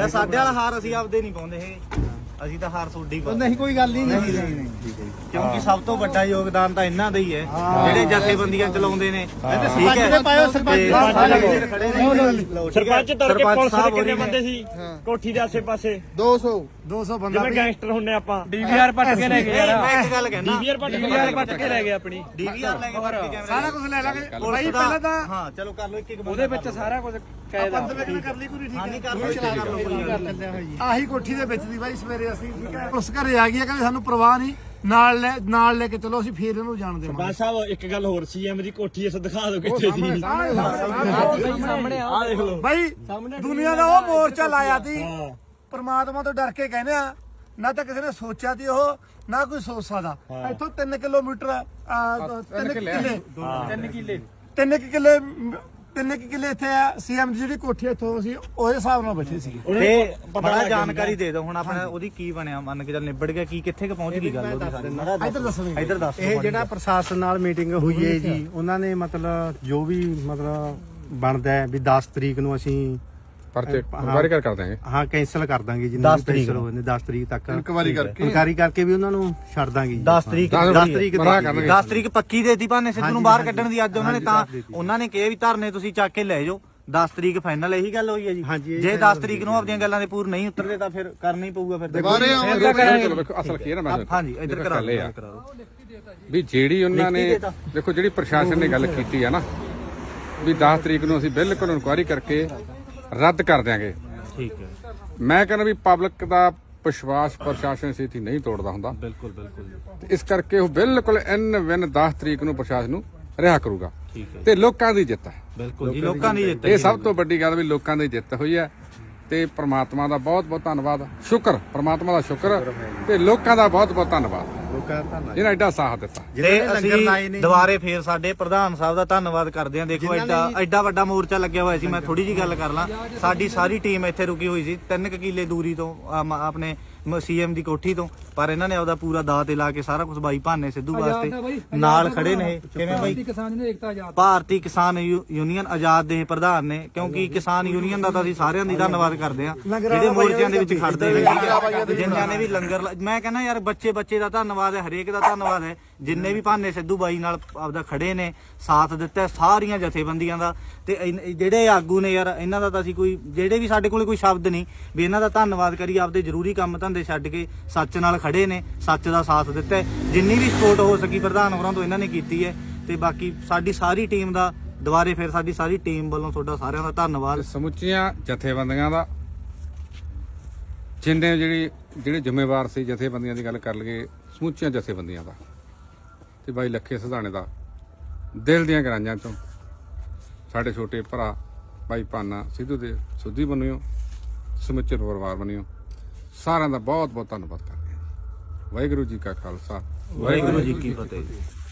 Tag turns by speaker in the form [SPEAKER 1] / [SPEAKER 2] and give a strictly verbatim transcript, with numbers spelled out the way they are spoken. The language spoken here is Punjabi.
[SPEAKER 1] ਲੈ ਸਾਡੇ ਵਾਲਾ ਹਾਰ ਅਸੀਂ ਆਪਦੇ ਨਹੀਂ ਪਾਉਂਦੇ ਇਹ ਅਸੀਂ ਤਾਂ ਹਾਰ ਤੁਹਾਡੀ ਪਾਉਂਦੇ।
[SPEAKER 2] ਨਹੀਂ ਕੋਈ ਗੱਲ ਨਹੀਂ
[SPEAKER 1] ਨਹੀਂ ਨਹੀਂ ਨਹੀਂ ਕਿਉਂਕਿ ਸਭ ਤੋਂ ਵੱਡਾ ਯੋਗਦਾਨ ਤਾਂ ਇਹਨਾਂ ਦਾ ਹੀ ਹੈ ਜਿਹੜੇ ਜਥੇਬੰਦੀਆਂ ਚਲਾਉਂਦੇ ਨੇ ਠੀਕ ਹੈ।
[SPEAKER 3] ਸਰਪੰਚ ਤੜਕੇ ਪੁਲਿਸ ਦੇ ਕਿੰਨੇ ਬੰਦੇ ਸੀ ਕੋਠੀ ਦੇ ਆਸੇ ਪਾਸੇ?
[SPEAKER 2] ਦੋ ਸੌ ਦੋ ਸੌ ਬੰਦਾ
[SPEAKER 3] ਜਿਵੇਂ ਗੈਂਗਸਟਰ ਹੁੰਨੇ ਆਪਾਂ।
[SPEAKER 4] ਡੀਵੀਆਰ ਪੱਟ ਕੇ ਲੈ ਗਏ ਯਾਰ।
[SPEAKER 1] ਮੈਂ ਇੱਕ ਗੱਲ ਕਹਿਣਾ
[SPEAKER 3] ਡੀਵੀਆਰ ਪੱਟ
[SPEAKER 4] ਡੀਵੀਆਰ ਪੱਟ ਕੇ ਲੈ ਗਏ ਆਪਣੀ
[SPEAKER 1] ਡੀਵੀਆਰ ਲੈ ਕੇ ਪੱਟ ਕੇ ਕੈਮਰਾ
[SPEAKER 2] ਸਾਰਾ ਕੁਝ ਲੈ ਲਾਂਗੇ
[SPEAKER 1] ਭਾਈ ਪਹਿਲਾਂ ਤਾਂ ਹਾਂ ਚਲੋ ਕਰ ਲਓ ਇੱਕ ਇੱਕ
[SPEAKER 4] ਉਹਦੇ ਵਿੱਚ ਸਾਰਾ ਕੁਝ ਕਾਇਦਾ
[SPEAKER 2] ਕਰ ਲਈ ਪੂਰੀ ਠੀਕ
[SPEAKER 1] ਹਾਂ
[SPEAKER 2] ਹੈ
[SPEAKER 1] ਨਹੀਂ ਕਰ ਲਓ ਕਰ ਲਓ ਕੋਈ ਗੱਲ ਨਹੀਂ।
[SPEAKER 2] ਆਹੀ ਕੋਠੀ ਦੇ ਵਿੱਚ ਦੀ ਬਾਈ ਸਵੇਰੇ ਅਸੀਂ ਠੀਕ ਹੈ ਪੁਲਿਸ ਘਰੇ ਆ ਗਈ ਹੈ ਕਹਿੰਦੇ ਸਾਨੂੰ ਪ੍ਰਵਾਹ ਨਹੀਂ ਨਾਲ ਲੈ ਨਾਲ ਲੈ ਕੇ ਚਲੋ ਅਸੀਂ ਫੇਰ ਇਹਨੂੰ ਜਾਣ ਦੇਵਾਂਗੇ।
[SPEAKER 3] ਸਰਪੰਚ ਸਾਹਿਬ ਇੱਕ ਗੱਲ ਹੋਰ ਸੀਐਮ ਦੀ ਕੋਠੀ ਇਸ ਦਿਖਾ ਦਿਓ ਕਿੱਥੇ ਸੀ।
[SPEAKER 4] ਸਾਹਮਣੇ ਆ
[SPEAKER 3] ਆਹ ਦੇਖ ਲਓ
[SPEAKER 2] ਬਾਈ ਦੁਨੀਆ ਦਾ ਉਹ ਮੋਰਚਾ ਲਾਇਆ ਸੀ ਪਰਮਾਤਮਾ ਤੋਂ ਡਰ ਕੇ ਕਹਿੰਦੇ ਆ ਨਾ ਤਾਂ ਕਿਸੇ ਨੇ ਸੋਚਿਆ ਸੀ ਉਹ ਨਾ ਕੋਈ ਸੋਚ ਸਕਦਾ। ਇੱਥੋਂ ਤਿੰਨ ਕਿਲੋਮੀਟਰ ਤਿੰਨ ਕਿੱਲੇ
[SPEAKER 4] ਤਿੰਨ ਕਿੱਲੇ
[SPEAKER 2] ਤਿੰਨ ਕਿੱਲੇ ਤਿੰਨ ਕਿੱਲੇ ਇੱਥੇ ਆ ਸੀਐਮ ਦੀ ਜਿਹੜੀ ਕੋਠੀ ਇੱਥੋਂ ਸੀ ਉਹਦੇ ਹਿਸਾਬ ਨਾਲ ਬੈਠੇ ਸੀ।
[SPEAKER 1] ਤੇ ਬੜਾ ਜਾਣਕਾਰੀ ਦੇ ਦਿਓ ਹੁਣ ਆਪਣਾ ਉਹਦੀ ਕੀ ਬਣਿਆ ਮੰਨ ਕੇ ਚੱਲ ਨਿਬੜ ਗਿਆ ਕੀ ਕਿੱਥੇ ਕ ਪਹੁੰਚ ਗਈ ਗੱਲ ਉਹਦੀ ਸਾਰੀ
[SPEAKER 2] ਇੱਧਰ ਦੱਸੋ
[SPEAKER 1] ਇੱਧਰ ਦੱਸ
[SPEAKER 5] ਇਹ ਜਿਹੜਾ ਪ੍ਰਸ਼ਾਸਨ ਨਾਲ ਮੀਟਿੰਗ ਹੋਈ ਹੈ ਜੀ ਉਹਨਾਂ ਨੇ ਮਤਲਬ ਜੋ ਵੀ ਮਤਲਬ ਬਣਦਾ ਹੈ ਵੀ ਦਸ ਤਰੀਕ ਨੂੰ ਅਸੀਂ
[SPEAKER 6] ਪਰਚੇ ਇਨਕੁਆਇਰੀ ਕਰ ਕਰ ਦਾਂਗੇ।
[SPEAKER 5] ਹਾਂ ਕੈਂਸਲ ਕਰ ਦਾਂਗੇ ਜੀ
[SPEAKER 1] ਦਸ ਤਰੀਕ
[SPEAKER 5] ਹੋਏ ਨੇ ਦਸ ਤਰੀਕ ਤੱਕ
[SPEAKER 2] ਇਨਕੁਆਇਰੀ ਕਰਕੇ
[SPEAKER 5] ਇਨਕੁਆਇਰੀ ਕਰਕੇ ਵੀ ਉਹਨਾਂ ਨੂੰ ਛੱਡ ਦਾਂਗੇ ਜੀ।
[SPEAKER 1] ਦਸ ਤਰੀਕ
[SPEAKER 5] ਦਸ ਤਰੀਕ
[SPEAKER 6] ਮਨਾ ਕਰਨਗੇ।
[SPEAKER 1] ਦਸ ਤਰੀਕ ਪੱਕੀ ਦੇਤੀ ਭਾਨੇ ਸਿੱਧੂ ਨੂੰ ਬਾਹਰ ਕੱਢਣ ਦੀ ਅੱਜ ਉਹਨਾਂ ਨੇ ਤਾਂ ਉਹਨਾਂ ਨੇ ਕਿਹਾ ਵੀ ਧਰਨੇ ਤੁਸੀਂ ਚੱਕ ਕੇ ਲੈ ਜਾਓ ਦਸ ਤਰੀਕ ਫਾਈਨਲ ਇਹੀ ਗੱਲ ਹੋਈ ਹੈ ਜੀ। ਜੇ ਦਸ ਤਰੀਕ ਨੂੰ ਆਪਣੀਆਂ ਗੱਲਾਂ ਦੇ ਪੂਰ ਨਹੀਂ ਉਤਰਦੇ ਤਾਂ ਫਿਰ ਕਰਨਾ ਹੀ ਪਊਗਾ ਫਿਰ
[SPEAKER 6] ਚਲੋ ਵੇਖੋ ਅਸਲ ਕੀ ਹੈ ਨਾ ਮੈਂ
[SPEAKER 1] ਹਾਂਜੀ ਇੱਧਰ ਕਰਾ
[SPEAKER 6] ਗੱਲ ਇਹ ਆ
[SPEAKER 1] ਦਿਓ
[SPEAKER 6] ਵੀ ਜਿਹੜੀ ਉਹਨਾਂ ਨੇ ਦੇਖੋ ਜਿਹੜੀ ਪ੍ਰਸ਼ਾਸਨ ਨੇ ਗੱਲ ਕੀਤੀ ਆ ਨਾ ਵੀ ਦਸ ਤਰੀਕ ਨੂੰ ਅਸੀਂ ਬਿਲਕੁਲ ਇਨਕੁਆਇਰੀ ਕਰਕੇ ਰੱਦ ਕਰ ਦਿਆਂਗੇ।
[SPEAKER 1] ਠੀਕ ਹੈ
[SPEAKER 6] ਮੈਂ ਕਹਿੰਦਾ ਵੀ ਪਬਲਿਕ ਦਾ ਵਿਸ਼ਵਾਸ ਪ੍ਰਸ਼ਾਸਨ ਸੇਤੀ ਨਹੀਂ ਤੋੜਦਾ ਹੁੰਦਾ।
[SPEAKER 1] ਬਿਲਕੁਲ ਬਿਲਕੁਲ
[SPEAKER 6] ਤੇ ਇਸ ਕਰਕੇ ਉਹ ਬਿਲਕੁਲ ਇਨ ਵਿਨ ਦਸ ਤਰੀਕ ਨੂੰ ਪ੍ਰਸ਼ਾਸਨ ਨੂੰ ਰਿਹਾ ਕਰੂਗਾ
[SPEAKER 1] ਠੀਕ ਹੈ
[SPEAKER 6] ਤੇ ਲੋਕਾਂ ਦੀ ਜਿੱਤ ਹੈ।
[SPEAKER 1] ਬਿਲਕੁਲ ਜੀ ਲੋਕਾਂ ਦੀ ਜਿੱਤ
[SPEAKER 6] ਇਹ ਸਭ ਤੋਂ ਵੱਡੀ ਗੱਲ ਵੀ ਲੋਕਾਂ ਦੀ ਜਿੱਤ ਹੋਈ ਹੈ ਤੇ ਪ੍ਰਮਾਤਮਾ ਦਾ ਬਹੁਤ ਬਹੁਤ ਧੰਨਵਾਦ ਸ਼ੁਕਰ ਪ੍ਰਮਾਤਮਾ ਦਾ ਸ਼ੁਕਰ ਤੇ ਲੋਕਾਂ ਦਾ ਬਹੁਤ ਬਹੁਤ ਧੰਨਵਾਦ
[SPEAKER 5] ਲੋਕਾਂ ਦਾ ਧੰਨਵਾਦ।
[SPEAKER 6] ਜਿਹਨਾਂ ਐਡਾ ਸਾਥ ਦਿੱਤਾ।
[SPEAKER 1] ਤੇ ਅਸੀਂ ਦੁਬਾਰੇ ਫੇਰ ਸਾਡੇ ਪ੍ਰਧਾਨ ਸਾਹਿਬ ਦਾ ਧੰਨਵਾਦ ਕਰਦੇ ਹਾਂ। ਦੇਖੋ ਐਡਾ ਐਡਾ ਵੱਡਾ ਮੋਰਚਾ ਲੱਗਿਆ ਹੋਇਆ ਸੀ। ਮੈਂ ਥੋੜੀ ਜੀ ਗੱਲ ਕਰ ਲਾਂ ਸਾਡੀ ਸਾਰੀ ਟੀਮ ਇੱਥੇ ਰੁਕੀ ਹੋਈ ਸੀ ਤਿੰਨ ਕਿੱਲੇ ਦੂਰੀ ਤੋਂ ਆਪਣੇ ਸੀਐਮ ਦੀ ਕੋਠੀ ਤੋਂ ਪਰ ਇਹਨਾਂ ਨੇ ਆਪਦਾ ਪੂਰਾ ਦਾਅ ਤੇ ਲਾ ਕੇ ਸਾਰਾ ਕੁਝ ਬਾਈ ਭਾਨੇ ਸਿੱਧੂ ਵਾਸਤੇ ਨਾਲ ਖੜੇ ਨੇ। ਕਿਵੇਂ ਬਾਈ ਭਾਰਤੀ ਕਿਸਾਨ ਯੂਨੀਅਨ ਆਜ਼ਾਦ ਦੇ ਪ੍ਰਧਾਨ ਨੇ ਕਿਉਂਕਿ ਕਿਸਾਨ ਯੂਨੀਅਨ ਦਾ ਤਾਂ ਅਸੀਂ ਸਾਰਿਆਂ ਦੀ ਧੰਨਵਾਦ ਕਰਦੇ ਹਾਂ ਜਿਹੜੇ ਮੋਰਚਿਆਂ ਦੇ ਵਿੱਚ ਖੜਦੇ ਨੇ ਜਿਨ੍ਹਾਂ ਨੇ ਵੀ ਲੰਗਰ ਮੈਂ ਕਹਿੰਦਾ ਯਾਰ ਬੱਚੇ ਬੱਚੇ ਦਾ ਧੰਨਵਾਦ ਹੈ ਹਰੇਕ ਦਾ ਧੰਨਵਾਦ ਹੈ ਜਿੰਨੇ ਵੀ ਭਾਨੇ ਸਿੱਧੂ ਬਾਈ ਨਾਲ ਆਪਦਾ ਖੜੇ ਨੇ ਸਾਥ ਦਿੱਤਾ ਸਾਰੀਆਂ ਜਥੇਬੰਦੀਆਂ ਦਾ ਤੇ ਜਿਹੜੇ ਆਗੂ ਨੇ ਯਾਰ ਇਹਨਾਂ ਦਾ ਤਾਂ ਅਸੀਂ ਕੋਈ ਜਿਹੜੇ ਵੀ ਸਾਡੇ ਕੋਲੇ ਕੋਈ ਸ਼ਬਦ ਨਹੀਂ ਵੀ ਇਹਨਾਂ ਦਾ ਧੰਨਵਾਦ ਕਰੀ ਆਪਦੇ ਜ਼ਰੂਰੀ ਕੰਮ ਧੰਦੇ ਛੱਡ ਕੇ ਸੱਚ ਨਾਲ ਖੜੇ ਨੇ ਸੱਚ ਦਾ ਸਾਥ ਦਿੱਤਾ ਜਿੰਨੀ ਵੀ ਸਪੋਰਟ ਹੋ ਸਕੀ ਪ੍ਰਧਾਨ ਹੋਰਾਂ ਤੋਂ ਇਹਨਾਂ ਨੇ ਕੀਤੀ ਹੈ ਤੇ ਬਾਕੀ ਸਾਡੀ ਸਾਰੀ ਟੀਮ ਦਾ ਦੁਬਾਰੇ ਫਿਰ ਸਾਡੀ ਸਾਰੀ ਟੀਮ ਵੱਲੋਂ ਤੁਹਾਡਾ ਸਾਰਿਆਂ ਦਾ ਧੰਨਵਾਦ।
[SPEAKER 6] ਸਮੁੱਚੀਆਂ ਜਥੇਬੰਦੀਆਂ ਦਾ ਜਿੰਨੇ ਜਿਹੜੀ ਜਿਹੜੇ ਜ਼ਿੰਮੇਵਾਰ ਸੀ ਜਥੇਬੰਦੀਆਂ ਦੀ ਗੱਲ ਕਰ ਲਈਏ ਸਮੁੱਚੀਆਂ ਜਥੇਬੰਦੀਆਂ ਦਾ ਤੇ ਬਾਈ ਲੱਖੇ ਸਿਧਾਣੇ ਦਾ ਦਿਲ ਦੀਆਂ ਗਰਾਂਜਾਂ ਤੋਂ ਸਾਡੇ ਛੋਟੇ ਭਰਾ ਬਾਈ ਭਾਨਾ ਸਿੱਧੂ ਦੇ ਸੁੱਧੀ ਬਣਿਓ ਸਮੁੱਚੇ ਪਰਿਵਾਰ ਬਣਿਓ ਸਾਰਿਆਂ ਦਾ ਬਹੁਤ ਬਹੁਤ ਧੰਨਵਾਦ ਕਰਦੇ ਹਾਂ। ਵਾਹਿਗੁਰੂ ਜੀ ਕਾ ਖਾਲਸਾ
[SPEAKER 1] ਵਾਹਿਗੁਰੂ ਜੀ ਕੀ ਫਤਿਹ।